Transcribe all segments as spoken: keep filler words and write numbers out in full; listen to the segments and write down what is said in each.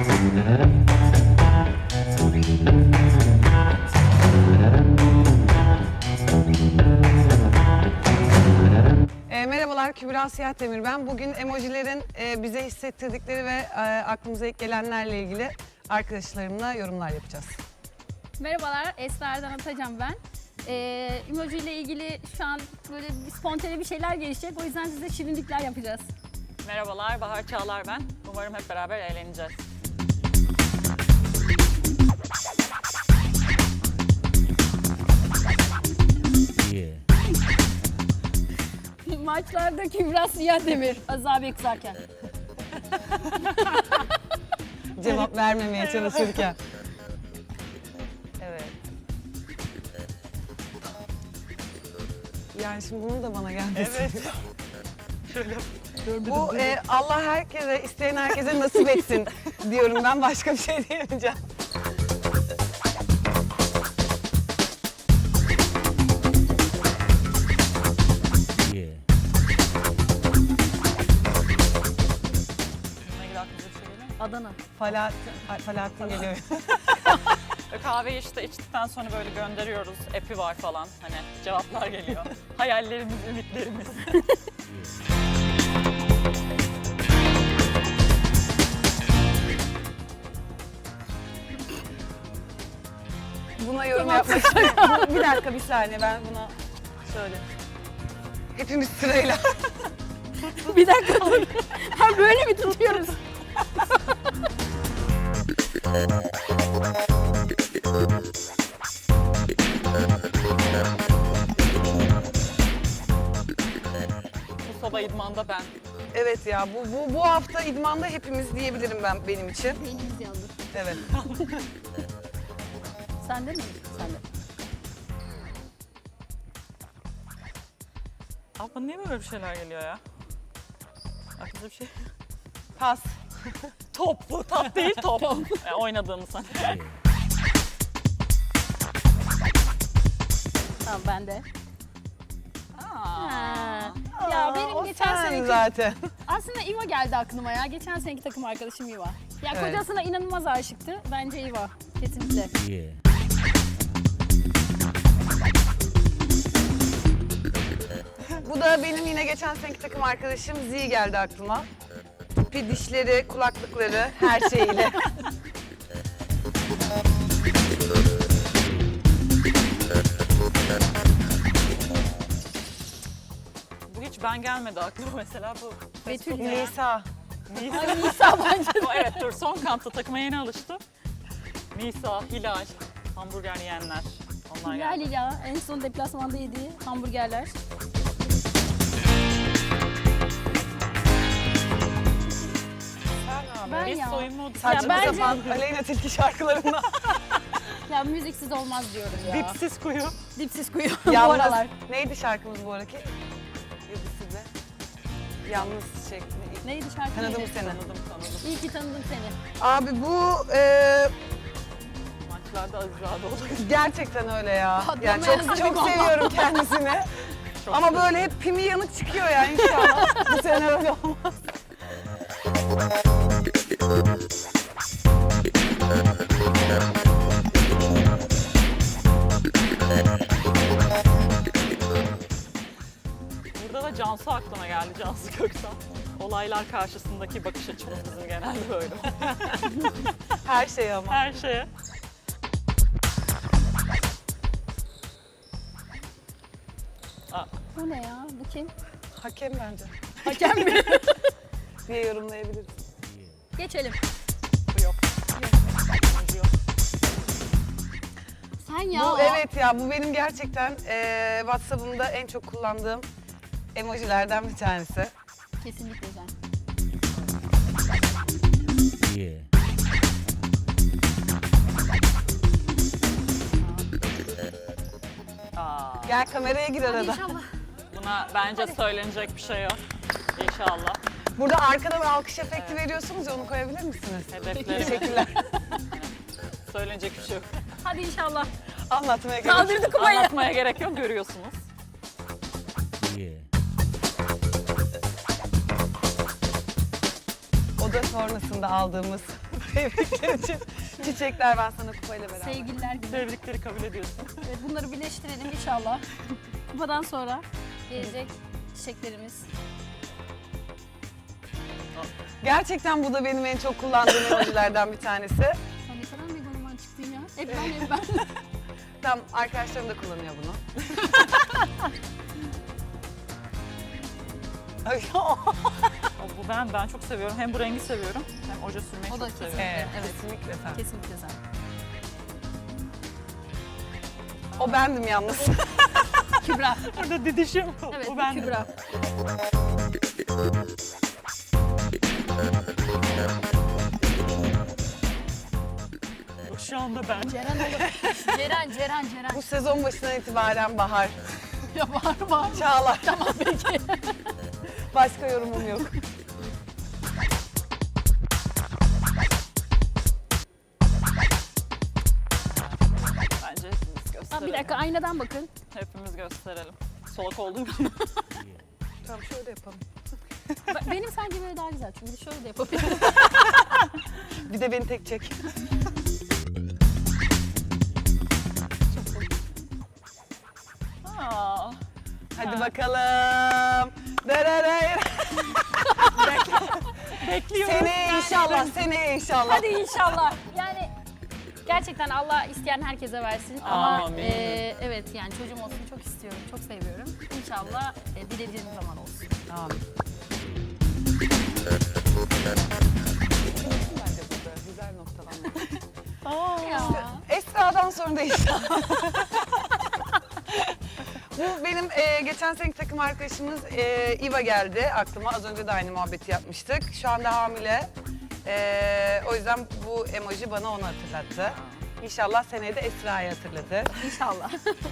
E, merhabalar, Kübra Siyah Demir ben. Bugün emojilerin e, bize hissettirdikleri ve e, aklımıza ilk gelenlerle ilgili arkadaşlarımla yorumlar yapacağız. Merhabalar, Esra Erdan Atacan ben. Ee, emoji ile ilgili şu an böyle bir spontane bir şeyler gelişecek. O yüzden size şirinlikler yapacağız. Merhabalar, Bahar Çağlar ben. Umarım hep beraber eğleneceğiz. Yeah. Maçlarda Kübra Siyah Demir, Aziz abi kızarken. Cevap vermemeye çalışırken. Evet. Yani şimdi bunu da bana geldi. Evet. Şöyle. Bu e, Allah herkese, isteyen herkese nasip etsin diyorum ben. Başka bir şey diyemeyeceğim. Yeah. Bununla ilgili aklınıza bir şey geliyor mu? Adana. Falahattin, ay, Falahattin geliyor. Böyle kahveyi işte içtikten sonra böyle gönderiyoruz. Epi var falan. Hani cevaplar geliyor. Hayallerimiz, ümitlerimiz. Buna yorum yapmak istiyorum. Bir dakika, bir saniye, ben buna şöyle. Hepimiz sırayla. Bir dakika dur. Ha böyle mi tutuyoruz? Bu soba idmanda ben. Evet ya, bu, bu, bu hafta idmanda hepimiz diyebilirim ben benim için. Beynimiz yandı. Evet. Sende mi? Sende. Abla niye böyle bir şeyler geliyor ya? Aklınıza bir şey. Pas. Top bu, top değil top. Yani oynadığını sen. Yeah. Tamam bende. Aa. Ha. Ya benim o geçen sen seneki... zaten. Aslında İva geldi aklıma ya. Geçen seneki takım arkadaşım İva. Ya Evet. kocasına inanılmaz aşıktı. Bence İva. Kesinlikle. Yeah. Bu da benim yine geçen seneki takım arkadaşım Z geldi aklıma. Tipi, dişleri, kulaklıkları, her şeyiyle. Bu hiç ben gelmedi aklıma mesela bu. Betül ya. Nisa. Ay Nisa bence. O evet dur son kampta takıma yeni alıştı. Nisa, Hilal, hamburger yiyenler. Onlar Hilal geldi. ya. En son deplasmanda yediği hamburgerler. Sen abi. Ben Biz ya. soyunma Saçma bence- sapan Aleyna Tilki şarkılarında. Ya müziksiz olmaz diyorum ya. dipsiz kuyu. Dipsiz kuyu bu Yalnız, aralar. neydi şarkımız bu araki? Yıldız'da. Yalnız şey. ne- Neydi şarkı? Tanıdım neydi? seni. Tanıdım tanıdım. İyi ki tanıdım seni. Abi bu e, Maçlarda Azizade olur. gerçekten öyle ya. Patlamaya Yani çok hazırım çok ama. seviyorum kendisini. Çok Ama böyle hep pimi yanık çıkıyor ya inşallah. Bu sene öyle olmaz. Burada da Cansu aklıma geldi, Cansu Köksal. Olaylar karşısındaki bakış açımız bizim genelde böyle. Her şey ama. Her şeye. Aa, Bu ne ya? Bu kim? Hakem bence Hakem mi? diye yorumlayabiliriz. Geçelim. bu yok. Yok. yok. Sen ya. Bu o- evet ya, bu benim gerçekten e, WhatsApp'ımda en çok kullandığım emojilerden bir tanesi. Kesinlikle sen. Yeah. Aa, Gel kameraya gir arada. İnşallah. buna bence söylenecek bir şey yok. İnşallah. Burada arkadan alkış efekti veriyorsunuz ya, onu koyabilir misiniz? Hedeflerimiz. Teşekkürler. Söylenecek bir şey yok. Hadi inşallah. Anlatmaya gerek yok. Kaldırdık kupayı. Anlatmaya gerek yok, görüyorsunuz. Yeah. O da sonrasında aldığımız Tebrikler için çiçekler ben sana kupayla beraber. Sevgililer günü. Tebrikleri kabul ediyorsun. Evet, bunları birleştirelim inşallah. Kupadan sonra gelecek çiçeklerimiz. Gerçekten bu da benim en çok kullandığım emojilerden bir tanesi. Sen ne kadar megaloman çıktın ya. Hep ben hep ben. Tam arkadaşlarım da kullanıyor bunu. Ay, O, bu ben ben çok seviyorum. Hem bu rengi seviyorum hem oje sürmeyi O da çok seviyorum. evet, Evet. kesinlikle sen. Kesinlikle sen. O bendim yalnız. Kübra. Burada didişim. Evet bu ben. Kübra. Şu anda ben. Ceren olur. Ceren, Ceren, Ceren. Bu sezon başından itibaren bahar. Ya var var. Çağlar. Tamam peki. Başka yorumum yok. Bence hepimiz gösterelim. Ha, bir dakika aynadan bakın. Hepimiz gösterelim. Solak olduğum için. Tamam şöyle yapalım. Ba- Benim sanki böyle daha güzel çünkü şöyle de yapabilirim. Bir de beni tek çek. Aa, Hadi bakalım. Dararayır. bekliyorum. Seneye inşallah, seneye inşallah. Hadi inşallah. Yani gerçekten Allah isteyen herkese versin. Ama Amin. e, evet yani çocuğum olsun çok istiyorum, çok seviyorum. İnşallah e, dilediğim zaman olsun. Amin. Bence burada güzel noktalanma. Aa, Ya. Esra'dan sonra da inşallah. Bu benim e, geçen seneki takım arkadaşımız e, İva geldi aklıma. Az önce de aynı muhabbeti yapmıştık. Şu anda hamile. E, o yüzden bu emoji bana onu hatırlattı. İnşallah seneye de Esra'yı hatırladı. İnşallah.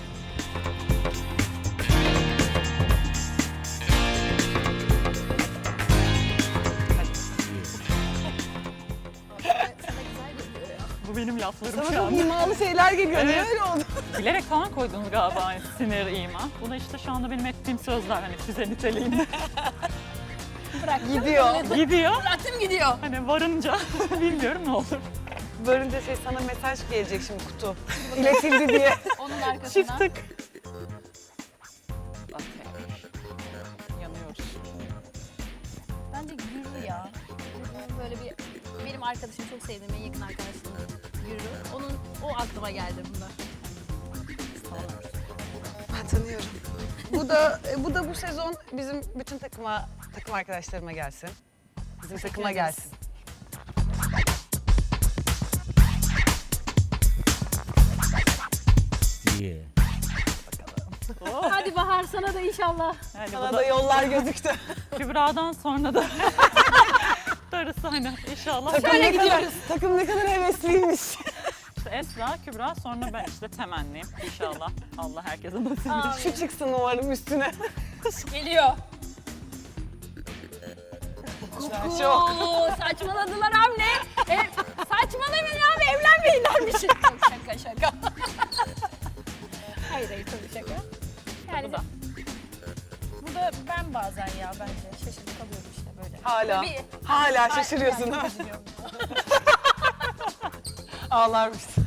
Sana güzel geliyor ya. bu benim laflarım Sana şu çok anda. imalı şeyler geliyor. Niye Evet. öyle oldu? Bilerek falan koydunuz galiba hani sinir, ima. Bu da işte şu anda benim ettiğim sözler hani füze niteliğinde. Bırak. Gidiyor. Gidiyor. Bıraktım gidiyor. Hani varınca bilmiyorum ne olur. Varınca şey sana mesaj gelecek şimdi kutu. İletildi diye. Onun arkasına. Çift tık. Okey. Yanıyoruz. Bence Gürü ya. Gürü böyle bir benim arkadaşım çok sevdiğim en yakın arkadaşım Gürü. Onun o aklıma geldi bunda. Ben tanıyorum. Bu da bu da bu sezon bizim bütün takıma takım arkadaşlarıma gelsin. Bizim takıma ederiz. gelsin. Yeah. Hadi Bahar sana da inşallah. Yani Sana bu da da yollar gözüktü. Kübra'dan sonra da darısı hani inşallah. takım ne kadar takım ne kadar hevesliymiş. İşte Esra, Kübra sonra ben işte temenniyim. İnşallah Allah herkese nasip Amin. etsin. Şu çıksın umarım üstüne. Geliyor. Çok. Oo, saçmaladılar hamle. E, saçmalamayın abi evlenmeyin dermişim. Çok şaka şaka. hayır hayır tabii şaka. Yani Bu da. bu da ben bazen ya bence şaşırıp kalıyorum işte böyle. Hala. Tabii. Hala şaşırıyorsun Yani ha. üzülüyorum. Ağlarmışsın.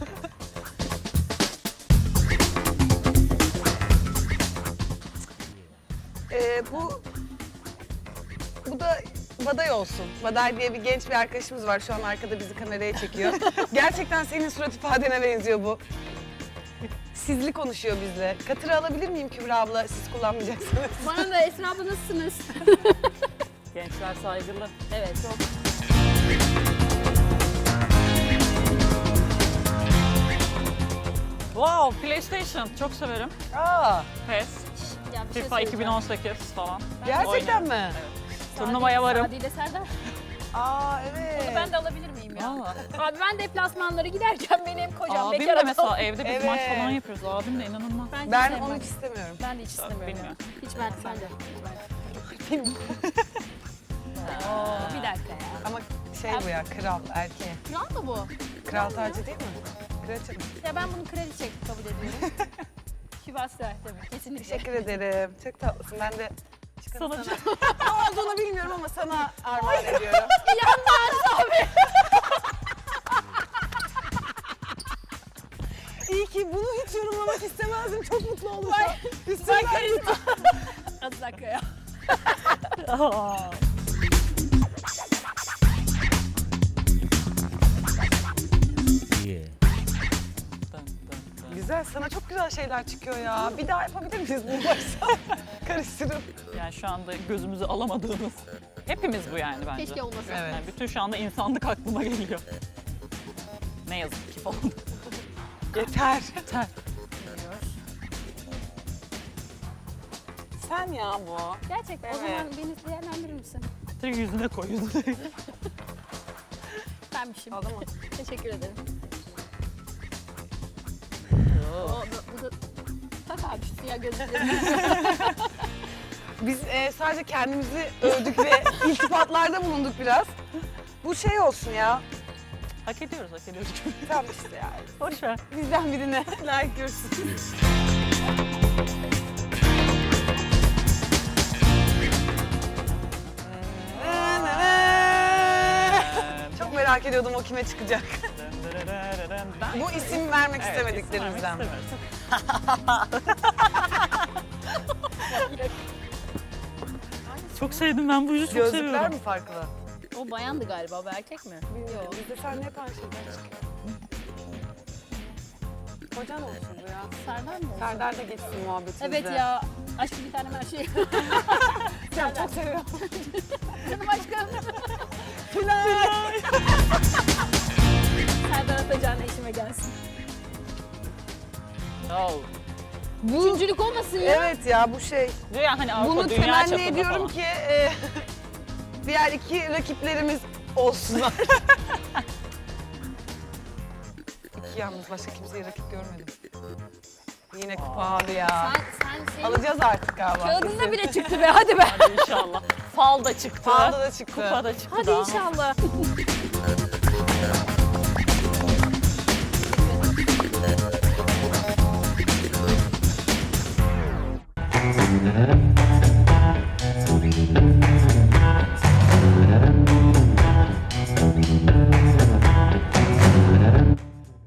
Ee, bu bu da Baday olsun. Baday diye bir genç bir arkadaşımız var. Şu an arkada bizi kameraya çekiyor. Gerçekten senin surat ifadene benziyor bu. Sizli konuşuyor bizle. Katırı alabilir miyim Kübra abla? Siz kullanmayacaksınız. Bana da Esra abla nasılsınız? Gençler saygılı. Evet çok. Wow, PlayStation çok severim. Aa, P E S, Ya bir şey FIFA söyleyeceğim. iki bin on sekiz falan. gerçekten Oynarım. mi? Evet. Turnuvaya varım. Sadi ile Serdar. Aa evet. Onu ben de alabilir miyim ya? Aa. Abi ben deplasmanlara giderken benim kocam Abim bekar de adam. mesela evde biz Evet. maç falan yapıyoruz. Abim de inanılmaz. Ben, hiç Ben sevmem. onu hiç istemiyorum. Ben de hiç istemiyorum. bilmiyorum. Hiç ben, ben de. Hiç ben. Aa, Bir dakika ya. ama şey bu ya, kral, erkeğe. Kral mı bu? Kral tacı değil mi? Kraliçe mi? Ya ben bunu kraliçe kabul ediyorum. Şivasya demek kesinlikle. Teşekkür ederim. Çok tatlısın. Ben de çıkarım Sana sana. Ne olduğunu bilmiyorum ama sana armağan ediyorum. Yanmaz abi. kazanamamak istemezdim. Çok mutlu oldum. Ben Üstümden karizma. Hadi dakika ya. Aa. Yeah. Dın dın dın. Güzel, sana çok güzel şeyler çıkıyor ya. Bir daha yapabilir miyiz bunu başta? Karıştırıp. Yani şu anda gözümüzü alamadığımız. Hepimiz bu yani bence. Keşke olmasa. Evet. Yani bütün şu anda insanlık aklıma geliyor. Ne yazık ki falan. Yeter. Yeter. Sen ya bu. Gerçekten. O Evet. zaman beni değerlendirir misin? Direkt yüzüne koy yüzüne. Benmişim. Aldı mı? Teşekkür ederim. O, bu, bu da... Tak abi şu siyah gözlüklerimi. Biz e, sadece kendimizi övdük ve iltifatlarda bulunduk biraz. Bu şey olsun ya. Hak ediyoruz, hak ediyoruz. Tam işte yani. Boş ver. Bizden birine layık görsün. Çok merak ediyordum o kime çıkacak. Bu isim vermek Evet, istemediklerimizden. isim vermek istemiyoruz. Çok sevdim ben bu yüzü çok Gözlükler seviyorum. mi farklı? O bayandı galiba, bu erkek mi? Yok. Bizde sen hep aynı şeyler çıkıyor. Kocan olsun bu ya. Serdar mı? oldu? Serdar da geçsin muhabbetimizde. Evet ya. Aşkım bir tane her şey. Sen çok seviyorum. Canım aşkım. Serdar Atacan eşime gelsin. Oh. Bu... Üçüncülük olmasın ya. Evet ya bu şey. Diyor ya hani Avrupa Bunu dünya temenni çapında ediyorum falan. ki e, diğer iki rakiplerimiz olsunlar. İki yalnız başka kimseyi rakip görmedim. Yine kupa abi ya. Sen, sen şey... Alacağız artık galiba. Kağıdında bile çıktı be, hadi be. Hadi inşallah. Fal da çıktı. Falda da çıktı. Kupa da çıktı. Hadi daha. inşallah.